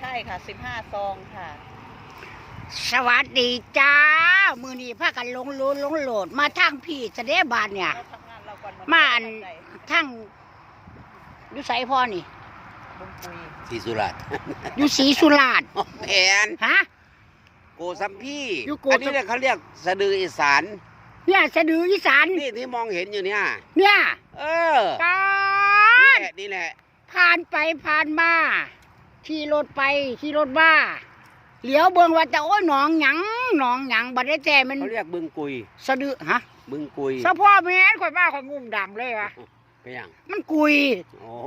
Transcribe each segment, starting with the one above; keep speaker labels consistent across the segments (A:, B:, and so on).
A: ได้ค่ะ15 ซองค่ะ
B: สวัสดีจ้ามือนี้พากันลงโหลดมาทางพี่เสด็จบานเนี่ยมาอันทั้งอยู่ไสพ่อนี่
C: ศรีสุราษฎร์
B: อยู่ศรีสุราษฎร์
C: แผน
B: ฮะ
C: โกสัมพี่
B: อั
C: นนี้เนี่ยเขาเรียกสะดืออีสาน
B: เนี่ยสะดืออีสาน
C: นี่ที่มองเห็นอยู่เนี่ยเออนี่แหละ
B: ผ่านไปผ่านมาขี่รถไปขี่รถมาเหลียวเบิ่งว่าจะโอ้ยหนองหยังบัดได้แต่มัน
C: เขาเรียกบึงกุย
B: สะดือฮะ
C: บึงกุย
B: สะพ่อแม่นข่อยว่าข่อยงุ่มดังเลยว่ะ
C: ไปยัง
B: มันกุย
C: โอ้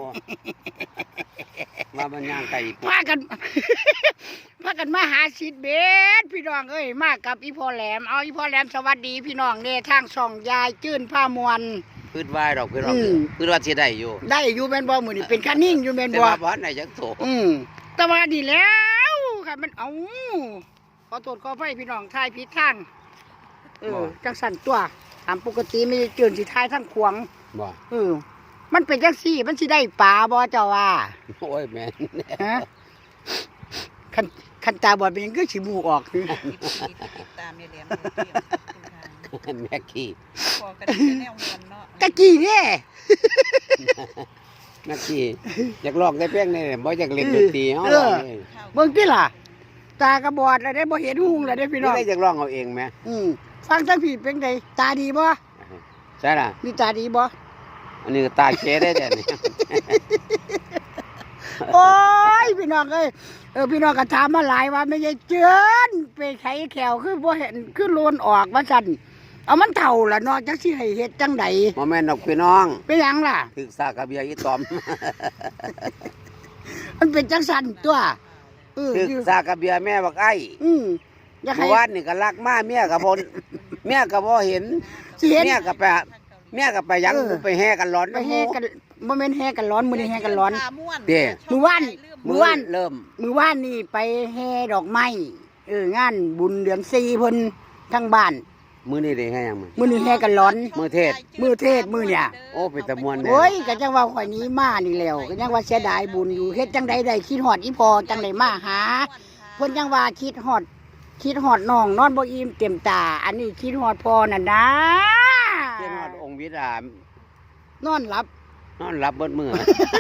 C: ว่ามันย่างไก่
B: พากันมาหาซิดเบสพี่น้องเอ้ยมากับอีพ่อแหลมเอาอีพ่อแหลมสวัสดีพี่น้องเนี่ยทางช่องยายจื้นผ้ามวล
C: พืชวายดอกพืชว่าสิได้อยู่
B: แม่นบ่มื้อนี้เป็นคันนิ่งอยู่แม่นบ่
C: แต่ว่าบ่ได้จักโต
B: แต่ว่าดีแล้วค่ะมันเอาขอโทษขออภัยพี่น้องทายผิดทางจังสั่นตัวตามปกติไม่จื้นสิทายทางขวาง
C: บ่
B: มันเป็นจังซี่มันสิได้ปลาบ่เจ้าว่า
C: โอ้ยแม่น
B: ฮะคันตาบอดเป็นยังก็สิมูออกคือ
A: ตามเนี่ยเหลี่ยม
C: แม่กี้
A: พอกันแนวมวนเนาะ
B: ตะกี้เด้
C: แม่กี้อยากลอกได้เพียงนี่บ่อยากเล่นดนตรีเฮา
B: เบิ่งติล่ะตากระบอดแล้วได้บ่เห็นหุงแล้วได้พี่น้อง
C: ได้อยากลองเอาเองแม่
B: ฟังจังพี่เป็นไดตาดีบ่
C: ใช่ล่ะ
B: นี่ตาดีบ่
C: อันนี้ตาเก๋ได้แต่นี่
B: โอ้ยพี่น้องเอ้ยพี่น้องก็ถามมาหลายว่าไม่ใช่เจือนไปไขแขวคือบ่เห็นคือโลนออกว่าซั่นเอามันเฒ่าล่ะเนาะจักสิให้เฮ็ดจังได๋
C: บ่แม่นดอกพี่น้อง
B: เป็นหยังล่ะ
C: ถึกซากระเบียอีตอม
B: มันเป็นจังซั่นตัว
C: ถึกซากระเบียแม่บักไอ้
B: อยากให้
C: วันนี่ก็รักมาเมียก็บ่เห็นเมียก็ไปยังไปแห่กันร้อน
B: ไปแห่กันบ่แม่นแห่กันร้อนมื้อนี้แห่กันร้อน
C: เด้
B: มื้อวาน
C: เริ่ม
B: มื้อวานนี่ไปแห่ดอกไม้งานบุญเดือน4เพิ่นทั้งบ้าน
C: มื้อนี้ได้แห่ยัง
B: มื้อนี้แห่กันร้อน
C: มื้อเทศ
B: มื้อเนี่ย
C: โอ้เป็นตะมวนแน่
B: โอ้ยก็จังว่าข่อยนี้มานี่แล้วก็จังว่าเสียดายบุญอยู่เฮ็ดจังใดได้คิดฮอดอีพ่อจังได๋มาหาเพิ่นจังว่าคิดฮอดน้องนอนบ่อิ่มเต็มตาอันนี้คิดฮอดพ่อนั่นนะ
C: คิดฮอดองค์วิดาน
B: อนหลับ
C: เบิดมื้อ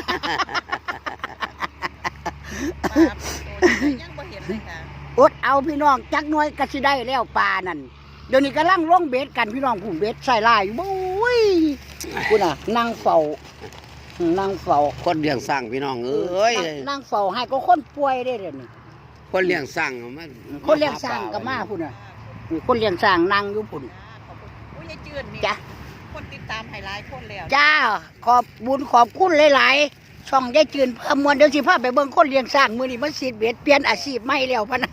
A: ยังบ่เห็นเลยค่ะ
B: อดเอาพี่น้องจักหน่อยก็สิได้แล้วปลานั่นเดี๋ยวนี้กำลังลงเบ็ดกันพี่น้องผู้เบ็ดใส่ลายโอ้ยคุณน่ะนั่งเฝ้า
C: คนเลี้ยงสร้างพี่น้องเอ้ย
B: นั่งเฝ้าให้ก็คนป่วยได้เดี๋ยวนี้
C: คนเลี้ยงสร้างมัน
B: คนเลี้ยงสร้างก็มาพุ่นน่ะคนเลี้ยงสร้างนั่งอยู่พุ่น
A: อุ้ยยายจื้นนี่จ้ะคนติดตามให้หลายคนแล้ว
B: จ้าขอบบุญขอบคุณหลายๆช่องยายจื้นพามวลเดี๋ยวสิพาไปเบิ่งคนเลี้ยงสร้างมื้อนี้มันสิเบ็ดเปลี่ยนอาชีพใหม่แล้วพะนะ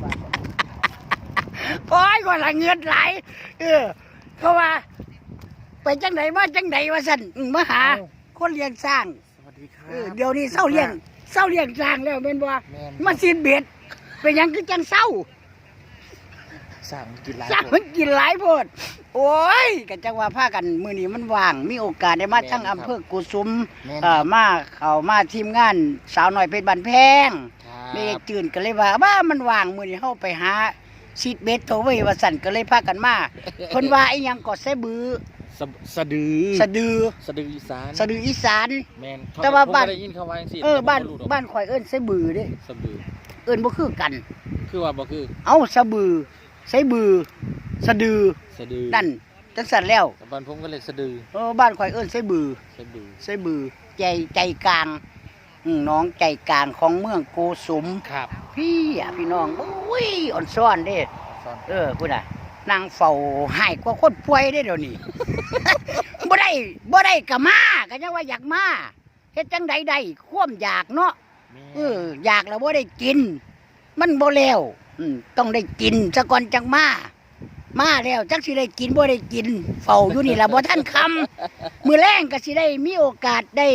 B: โอ้ยก็ละเงินหลายเพราะว่าไปจังไหนมาจังไหนว่าสั่นมาหาคนเลี้ยงสร้าง
C: สวัสดีครับ
B: เดี๋ยวนี้เศร้าเลี้ยงสร้างแล้วเป็นบ่มาซีนเบ็ดเป็นยังคือจังเศร้า
C: สร้างกิน
B: หลายโพดโอ้ยกันจังว่าพากันมื้อนี้มันว่างมีโอกาสได้มาทั้งอำเภอกุสุมมาทีมงานสาวน้อยเพชรบ้านแพงแม่จื่นก็เลยว่ามันว่างมื้อนี้เฮาไปหาซีดเบ็ดโตไว้ว่าสั่นก็เลยพากันมาเพิ่นว่าไอ้หยังก็ใส่บือ
C: สะดือ
B: อีสาน
C: แม่น
B: แต่ว่าบ้าน
C: ได้ยินเขาว่าจังซี่
B: บ้านข่อยเอิ้นใส่บือเด้
C: สะบือ
B: เอิ้นบ่คือกัน
C: คือว่าบ่คือ
B: เอ้าสะบือใส่บือสะดือนั่นจังซั่นแล้ว
C: บ้านผมก็เรียกสะดือ
B: บ้านข่อยเอิ้นใส่บือใจกลางน้องใจกลางของเมืองโกสุม
C: ครับ
B: พี่น้องโอ้ยอ่อนซ่อนเด้พุ่นน่ะนางเฝ้าหายกว่าคนป่วยได้เดี๋ยวนี้ บ่ได้ก็มาก็ยังว่าอยากมาเฮ็ดจังใดได้ความอยากเนาะอยากแล้วบ่ได้กินมันบ่แล้วต้องได้กินซะก่อนจังมาแล้วจักสิได้กินบ่ได้กินเฝ้าอยู่นี่ล่ะบ่ทันค่ำมื้อแลงก็สิได้มีโอกาสได้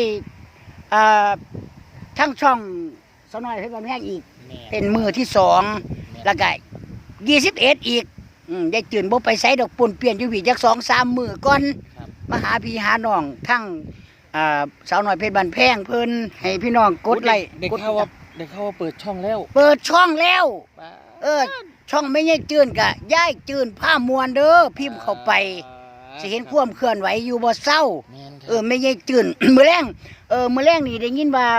B: ทั้งช่องสน้อยเพชรบ้านแพงอีกเป็นมือที่2แล้วก็21อีกได้ตื่นบ่ไปไสดอกปุ่นเปลี่ยนอยู่พี่จัก 2-3 มื้อก่อนมาหาพี่หาน้องทั้งสาวน้อยเพชรบ้านแพงเพิ่นให้พี่น้องกดไลค์
C: ได้ข่าวว่า
D: ได้เข้าว่าเปิดช่องแล้ว
B: เปิดช่องแล้ว
D: ป๊าด
B: ช่องไม่ใช่จืนกะย้ายจืนผ้ามวนเด้อพิมพ์เข้าไปสิเห็นความเคลื่อนไหวอยู่บ่เศร้า
D: แม่นครับ
B: ไม่ใช่จืน มื้อแรงมื้อแรงนี่ได้ยินว่า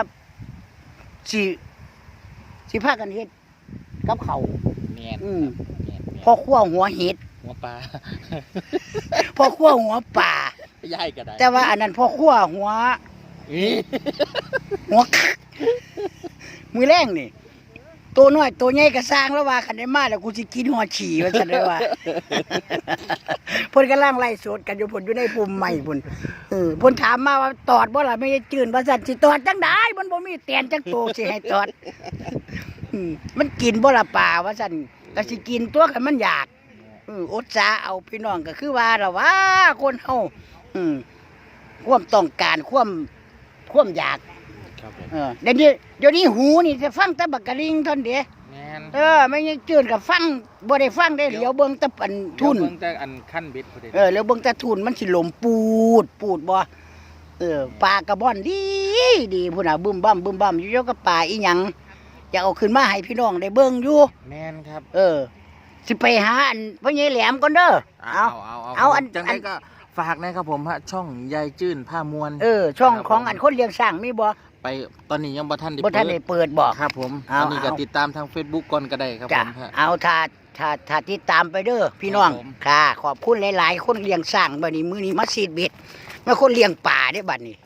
B: สิพากันเฮ็ดกับข้าว
D: แม่น
B: อืม
D: แม่น
B: พ่อครัวหัวเห็ด
D: หัวปลา
B: พ่อครัวหัวป่า
D: ย่ายก็ได้
B: แต่ว่าอันนั้นพ่อครัวหัว
D: อี๋
B: หัวคักมือแรงนี่ตัวน้อยตัวใหญ่ก็สร้างแล้วว่าคันได้มาแล้วกูสิกินหัวฉี่ว่าซั่นได้ว่า เพิ่นกำลังไล่สดกันอยู่พุ่นอยู่ในปุ่มใหม่พุ่นเพิ่นถามมาว่าตอดบ่ล่ะไม่ได้จืนว่าซั่นสิตอดจังได๋มันบ่มีแตนจังโตสิให้ตอดมันกินบ่ล่ะป่าว่าซั่นก็สิกินตัวคันมันอยากอดสาเอาพี่น้องก็คือว่าล่ะว่าคนเฮาความต้องการความอยาก
D: ครับผม
B: เดี๋ยวนี้หูนี่จะฟังแต่บักกะลิงเท่านนเด้
D: แม่น
B: ไม่ยังจืดกับฟังบ่ได้ฟังได้เหลียวเบิ่งแต่อันทุน
D: เดี๋ยวเบิ่งแต่อันขั้นเบ็ดพอดี
B: แล้วเบิ่งแต่ทุนมันสิลมปูดบ่ปลากระบ่อนดีพุ่นน่ะบึ้มบั่มอยู่เจ้ากับปลาอีหยังจะเอาขึ้นมาให้พี่น้องได้เบิ่งอยู่
D: แม่นครับ
B: สิไปหาอันพ่อใหญ่แหลมก่อนเด้อเอาอัน
D: จังได๋ก็ฝากนะครับผมฮะช่องยายจื้นผ้ามวล
B: ช่องของอันคนเลี้ยงช้างมีบ่
D: ไปตอนนี้ยังบ่ทันได้
B: บ่ทันได้เปิดบ่
D: ครับผม
B: เอา
D: อันนี้ก็
B: เอา
D: ติดตามทาง Facebook ก่อนก็ได้ครับ
B: จ้ะ
D: ผมฮะ
B: เอาถ้าติดตามไปเด้อพี่น้อง
D: ครับผม
B: ค่ะ ขอบคุณหลายๆ คนเลี้ยงสร้างบัดนี้มื้อนี้มาซีดเบ็ดมาคนเลี้ยงป่าเด้บัดนี้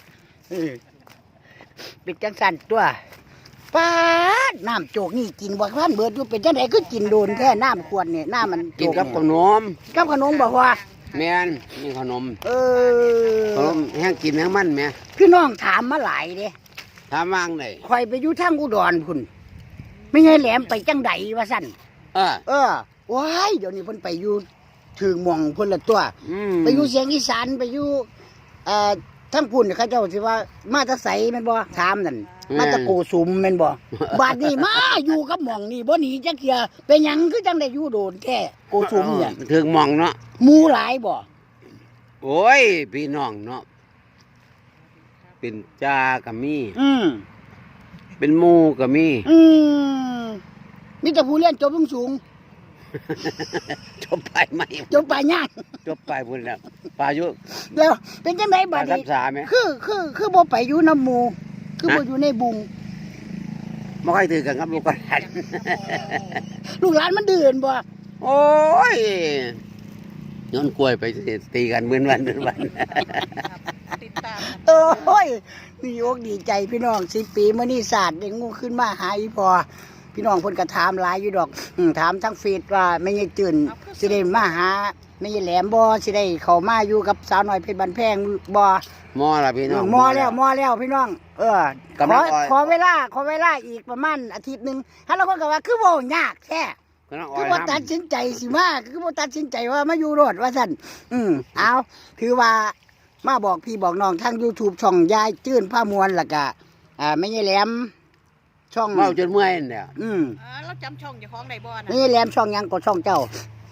B: เป็นจังซั่นตัวปาดน้ำโจกนี่กินบ่ทันเบิดอยู่เป็นจังได๋คือกินโดนแท้น้ำขวดนี่น้ำมันโจ
C: กินกับขนม
B: กับขนมบ่ว่า
C: แม่นนี่ขนม ขนมแห้งกินแห้งมันแม่
B: พี่น้องถามมาหลายเด้
C: ถามว่างไหน
B: ข่อยไปอยู่ทางอุดรพุ่นไม่ใช่แหลมไปจังไดว่าซั่นว้ายเดี๋ยวนี้เพิ่นไปอยู่ถึงหม่องเพิ่นละตัว ไปอยู่เสียงอีสานไปอยู่ทั้งพุ่นเขาเจ้าสิว่ามาแตะไสแม่นบ่ถามนั่นมาแตะโกสุมแม่นบ่บาดนี้มาอยู่กับหม่องนี่บ่หนีจักเที่ยเป็นหยังคือจังได้อยู่โดนแท้โกสุมเนี่ย
C: ถึงหมองเนาะ
B: หมู่หลายบ่
C: โอ้ยพี่น้องเนาะเป็นจ้าก็มี เป็นหมู่ก็มี
B: มีแต่ผู้เรียนจบสูง
C: จบไปไหม
B: ๆจบปลายยาก
C: จบไปพุ่นแล้วปลายุ
B: แล้วเป็นจังได๋
C: ป
B: บั
C: ลา
B: ด
C: ทับ
B: นี้
C: สาไหม
B: คือบ่ไปอยู่นำหมู่คือบ่อยู่ในบุง
C: ไม่ค่อยถือกันครับลูกหลาน
B: ลูกหลานมันดื้อบ่
C: โอ้ยย้อนกล้วยไปตีกันเหมือนวัน
A: ติดตาม
B: โอ้ยมีอกดีใจพี่น้อง10 ปีมื้อนี้ศาสตร์ได้งูขึ้นมาหาอีพอพี่น้องเพิ่นก็ถามหลายอยู่ดอกถามทั้งเฟซว่าแม่ยายจื่นสิได้มาหาแม่ยายแหลมบ่สิได้เข้ามาอยู่กับสาวน้อยเพชรบ้านแพงบ่
C: มอละพี่น้อง
B: มอแล้วพี่น้อง
C: กำลัง
B: ขอเวลาอีกประมาณอาทิตย์นึงถ้าเราคนก็ว่าคือบ่ยากแท้
C: กำลัง
B: คือบ่ตัดสินใจสิมาคือบ่ตัดสินใจว่ามาอยู่รอดว่าซั่นเอาถือว่ามาบอกพี่บอกน้องทาง YouTube ช่องยายจื้นผ้ามวลแล้วก็แม่ยายแหลมช่อง
C: เมาจนเมื่อยเนี่ย
A: เราจำช่องเจ้าของได้บ่นะ
B: แม่ยายแหลมช่องหยังก็ช่องเจ้าย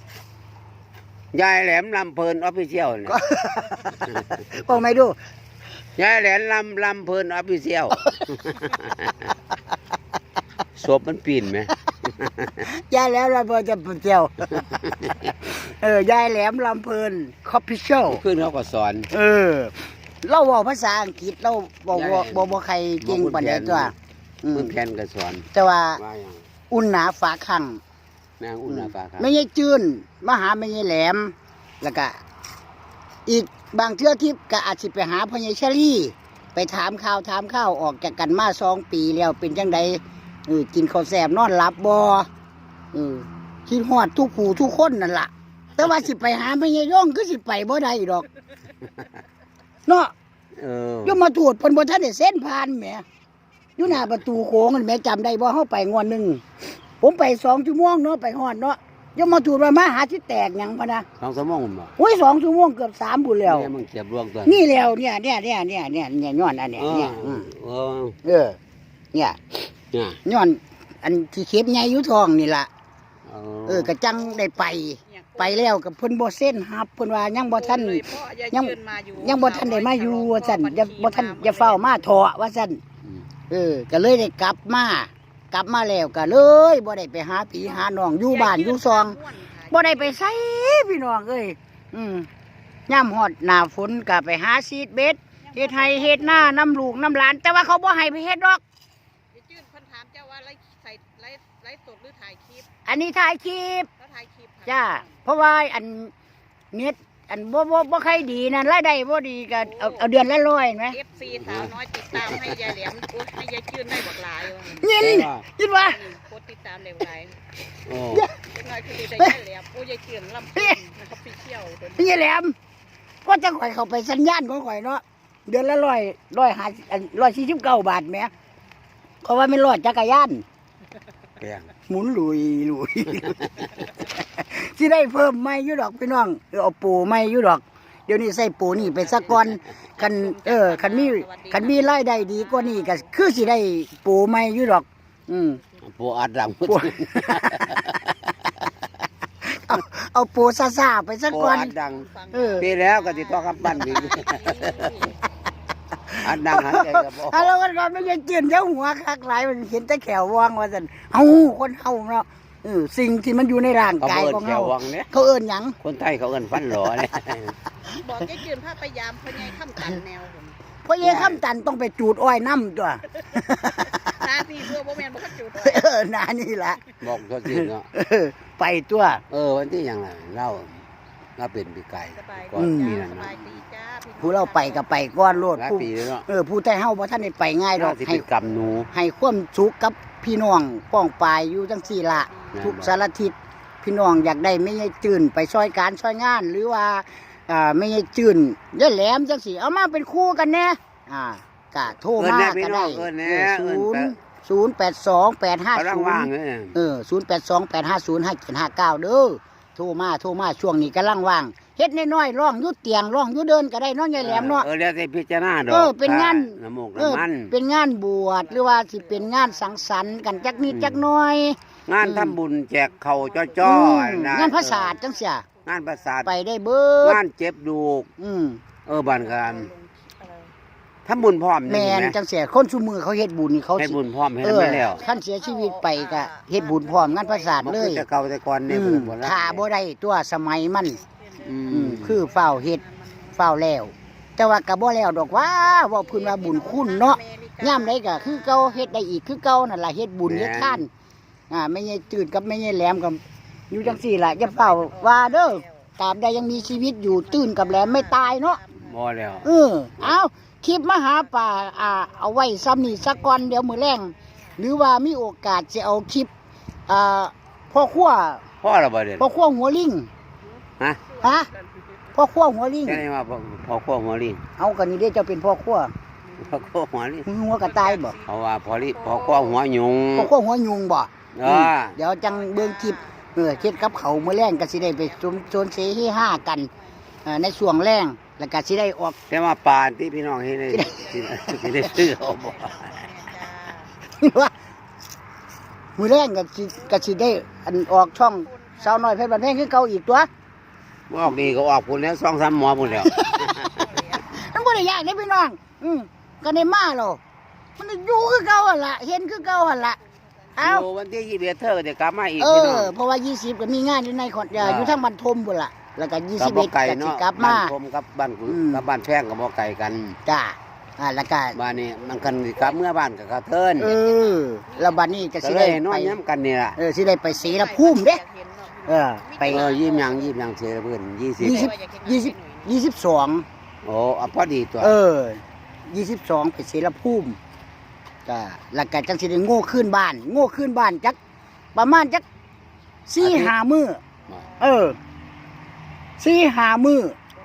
C: ายแหลมลำเพลินออฟฟิเชียลเนี่ย
B: บอกไม่ดู
C: ยายแหลมลำเพลินออฟฟิเชียลศพมันปีนไหม
B: ยายแหลมลำเพลินจะเจียวยายแหลมลำเพลินคอฟฟิเชียล
C: ขึ้นเขาก็สอน
B: เราบอกภาษาอังกฤษเราบอกใครเก่งปานใดตัว
C: มือแขนก็สอน
B: แต่ว่า
C: ว่าอย่าง
B: อุ่นหนาฝาคัง
C: นางอุ่นนาฟ้าครับ
B: ไม่ใช่จืนมาหาไม่ใช่แหลมแล้วก็อีกบางเทื่อทิพย์ก็อาจสิไปหาพ่อใหญ่เชอรี่ไปถามข่าวออกจากกันมา2 ปีแล้วเป็นจังใดกินข้าวแซ่บนอนหลับบ่คิดฮอดทุกผู้ทุกคนนั่นล่ะแต่ว่าสิไปหาไม่ใช่ย่องคือสิไปบ่ได้ดอกเนาะอย่ามาตรวจเพิ่นบ่ทันได้เส้นผ่านแหมอยู่หน้าประตูโค้งนั่นแหมจำได้บ่เฮาไปงวดนึงผมไป2 ชั่วโมงเนาะไปฮอดเนาะอย่ามาตรวจว่ามาหาสิแตกหยังพะนะ
C: 2 ชั่วโมงบ่
B: โอ้ย2 ชั่วโมงเกือบ3บุญแล้ว
C: เนี่ยมึงเก็บรวงตัว
B: นี่แล้วเนี่ยย้อนอันเนี้ยเนี่ยเนี่ยย้อนอันที่เข็บใหญ่อยู่ท้องนี่ล่ะก็จังได้ไปแล้วกับเพิ่นบ่เส้นฮับเพิ่นว่ายังบ่ทันยังบ่ทันได้มาอยู่ว่าซั่นอย่าบ่ทันอย่าเฝ้ามาเถาะว่าซั่นก็เลยได้กลับมากลับมาแล้วก็เลยบ่ได้ไปหาพี่หาน้องอยู่บ้านอยู่ซองบ่ได้ไปไสพี่น้องเอ้ยย่ำฮอดหน้าฝนก็ไปหาซีดเบ็ดเฮ็ดไห้เฮ็ดหน้าน้ำลูกน้ำหลานแต่ว่าเขาบ่ให้ไปเฮ็ดดอก
A: จื้นคนถามเจ้าว่าไลฟ์สดหรือถ่ายคลิป
B: อันนี้ถ่ายคลิป
A: แล้วถ่ายคลิปค่ะ
B: จ้าเพราะว่าอันเน็ตอันบ่ใครดีนั่นรายได้บ่ดีก็เอาเดือนละ100เห็นไหม
A: FC สาวน้อยติดตามให้ยายแหลมให้ยายจื้นได้บักหลาย
B: ยินว่า
A: โคตรติดตามเร็วไร
C: โอ้
A: เป็นไงคือได้ยายแหลมยายจื้นลำพูนนะครับพี่เที่ยว
B: พี่แหลมก็จะข่อยเข้าไปสัญญาณของข่อยเนาะเดือนละ149 บาทแหมเพราะว่าไม่รอดจักรยาน
C: แพง
B: หมุนลุยสิได้เพิ่มไม่อยู่ดอกพี่น้องเอาปูไม่อยู่ดอกเดี๋ยวนี้ใส่ปูนี่ไปสักก่อนคันมีรายได้ดีกว่านี้ก็คือสิได้ปูไม่อยู่ดอก
C: ปูอัดดัง
B: เอาปูซ่าๆไปสัก
C: ปู
B: ก่อน
C: อัดดังปีแล้วก็ติดต่อกับปั้นอีกอัดดังหายใจก็บ่
B: แล้วก็ไม่ยังเจียนเจ้าหัวคักหลายมันเห็นแต่แขววางว่าซั่นเฮาคนเฮาเนาะสิ่งที่มันอยู่ในร่างกายของเฮาเขาเอิ้นหยัง
C: คนไทยเขาเอิ้นฟันหลอเนี่ย
A: บอกยายจื้นพาพยายามพยายามตันแนวผม
B: เพราะยายคำตันต้องไปจูดอ้อยน้ำตัว
A: หน้าที่เพื่อบ่แม่นบ่คัดจุด
B: นานี่แหละ
C: บอกตัวจริงเนาะ
B: ไปตัว
C: วันที่ยังไงเล่าเป็นปีไก่
A: สบาย
C: ก่อนปีนั้น
A: ส
C: เนาะ
A: บายดีจ้า
B: ผู้เราไปก็ไปก้อนโลด
C: หลาย
B: ผู้
C: ปีแล้วเนาะ
B: ผู้ใต้เฮาบ่ท่านได้ไปง่ายดอก
C: สิ
B: ให้
C: เป็นกำหนู
B: ให้ความสุขกับพี่น้องป้องปายอยู่จังซี่ล่ะ
C: นั่น
B: ทุกสารทิศพี่น้องอยากได้ไม่ใช่จื่นไปช่วยการช่วยงาน หรือว่าไม่ใช่จื่นยายแหลมจังซี่เอามาเป็นคู่กันแน่ก็โทรมาก็ได้082850850
C: กำลังว่างเลย
B: 0828505759เด้อโทรมาช่วงนี้กำลังว่างเฮ็ดน้อยๆร้องอยู่เตียงร้องอยู่เดินก็ได้เนาะยายแหลมเนาะ
C: แล้วแต่พิจารณาดอก
B: เป็นงาน
C: น้ำมูกน้ำมัน
B: เป็นงานบวชหรือว่าสิเป็นงานสังสรรค์กันจักนิดจักหน่อย
C: งานทำบุญแจกเข่าจ้อๆนะ
B: งานภาษาจังเสีย
C: งานประสาท
B: ไปได้เบิด
C: งานเจ็บดูก บ้านกัน
A: อะไร
C: ทำบุญพร้อม
B: แม่นจังเสียคนซุมือเขาเฮ็ดบุญนี่เขา
C: ให้
B: สิ
C: บุญพร้อมให้ไม่แล้ว
B: ท่านเสียชีวิตไปก็เฮ็ดบุญพร้อมงานภาษา
C: มัน
B: เล
C: คื
B: ย
C: อแต่เก่าแต่ก่อนเนี่ยบุญ
B: ถ้าบ่ได้ตัวสมัยมัน
C: อืม
B: คือเฝ้าเฮ็ดเฝ้าแล้ว แต่ว่าก็บ่แล้วดอกว่าเว้าพื้นว่าบุญคุณเนาะยามใดก็คือเก่าเฮ็ดได้อีกคือเก่านั่นล่ะเฮ็ดบุญเฮ็ดทานไม่ใช่ตื่นกับไม่ใช่แหลมกับอยู่จังซี่ล่ะอย่าเฝ้าว่าเด้อตราบใดยังมีชีวิตอยู่ตื่นกับแหลมไม่ตายเนาะ
C: บ่แล้ว
B: เอาคลิปมาหาป่าเอาไว้ซ้ำนี่สักก่อนเดี๋ยวมื้อแรงหรือว่ามีโอกาสจะเอาคลิปพ่อครัว
C: พ่อเราบ่เด่น
B: พ่อครัวหัวลิง
C: ฮะ
B: พ่อครัวหัวลิง
C: แค่นี้ว่าพ่อขั้วหัวลิง
B: เอากันนี่เด้เจ้าเป็นพ่อครัว
C: พ่อขั้วหัวลิง
B: หัวกระต่ายบ่
C: เพราะว่าพ่อขั้วหัวยุง
B: พ่อครัวหัวยุงบ่
C: อ่า
B: เดี๋ยวจังเบิ่งคลิปเฮ็ดกับเขาวมื้อแรงก็สิได้ไปโซนเสฮีห้ากันในช่วงแรงแล้วก็สิได้ออก
C: แต่ว่าปานที่พี่น้องเห็นได้สิได้ซื้อเอาบ่
B: ว่ามื้อแรงก็สิได้อันออกช่องสาวน้อยเพชรบ้านแพงคือเก่าอีกตัว
C: ออกดีก็ออกพุ่นแล้ว2-3หมอพุ่นแล้ว
B: มันบ่ได้ยากเด้พี่น้องก็ได้มาแล้วมันอยู่คือเก่าหั่นล่ะเห็นคือเก่าหั่นล่ะเอา
C: โอ้วันที่21เธอก็จะกลับมาอีกพี่น้อง
B: เพราะว่า20ก็มีงานอยู่ในขอนอยู่ทางบ้านทมพุ่นล่ะแล้วก็
C: กับบ่
B: 21
C: ไก่
B: ก็สิ
C: เนาะ
B: กลับ
C: บ้าม
B: าน
C: ผมกับบ้านกูกับบ้านแพงกับบ่ไก่กัน
B: จ้าแล้วก็
C: บ้านนี้มันกันกลับเมื่อบ้านกับกระเทิน
B: แล้วบัดนี้ก็
C: ก็
B: สิ
C: เล
B: ได้
C: ยนอ
B: ไป
C: นย้ำกันนี่ล่ะ
B: สิได้ไปศรีละภูมิเด้ไป
C: ยิ้มยังเสียเพื่อน
B: 22
C: โอ้พอดีตัว
B: 22ไปศรีละภูมิก็แล้วก็จังสิได้โง่ขึ้นบ้านจักประมาณจัก4-5 มื้อ4-5 มื้อ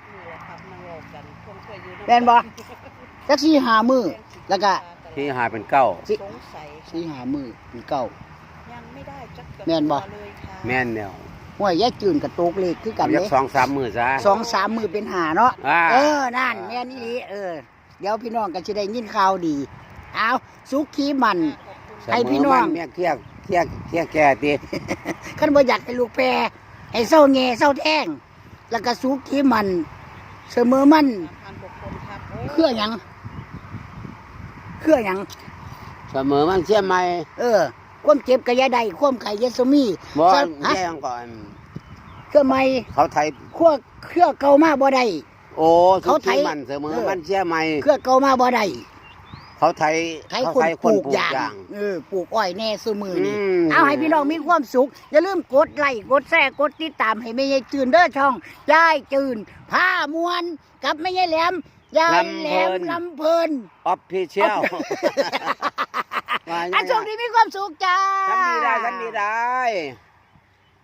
B: แม่นบ่จัก4-5 มื้อแล้วก็
C: ที่หาเป็นเก้า
A: สงสัย
B: 4-5 มื้อมีเก้า
A: ยังไม่ได้จัก
B: แม่นบ่
A: เลยค่ะ
C: แม่นแล้ว
B: ห้วยยายจืนกับโตกเลขคือกัน
C: ยั
B: เด้
C: ก2-3มื้อซะ
B: 2-3 มื้อเป็น5เนาะ นั่นแม่นอีหลีเดี๋ยวพี่น้องก็สิได้ยินข่าวดีเอาสุขีมัน ให้พี่น้อง
C: แม่เครียดแก่ติ
B: คันบ่อยากให้ลูกแพรให้เศร้าแง่เศร้าแท่งแล้วก็สุขีมันเสมอมัน
A: 3,000 กว่าคนครับโอ้
B: เครือหยัง
C: เสมอมันเชื่อไหม
B: ความเจ็บก็อย่าได้ความไข้อยาสมี
C: บ่
B: ฮะ
C: แย่งก่อน
B: เครื่องใหม่
C: เขาไทย
B: เครื่องเก่ามาบ่ได้
C: โอ้
B: เขาไทย
C: ทุกที่มันเสมอมันเชื่อไหม
B: เครื่องเก่ามาบ่ได้
C: เขาไทย
B: ไทย
C: เขา
B: คน
C: ไทย
B: ปลูกยาง ปลูกอ้อยแน่ซุมือนี่ เอาให้พี่น้องมีความสุข อย่าลืมกดไลค์กดแชร์กดติดตามให้แม่ยายจืนเด้อช่องยายจืนผ้ามวนกับแม่ยายแหลมยายแหลมลำเพลิน
C: ออฟฟิเชียล
B: อันช่วงนี้มีความสุขจ้า
C: ทำดีได้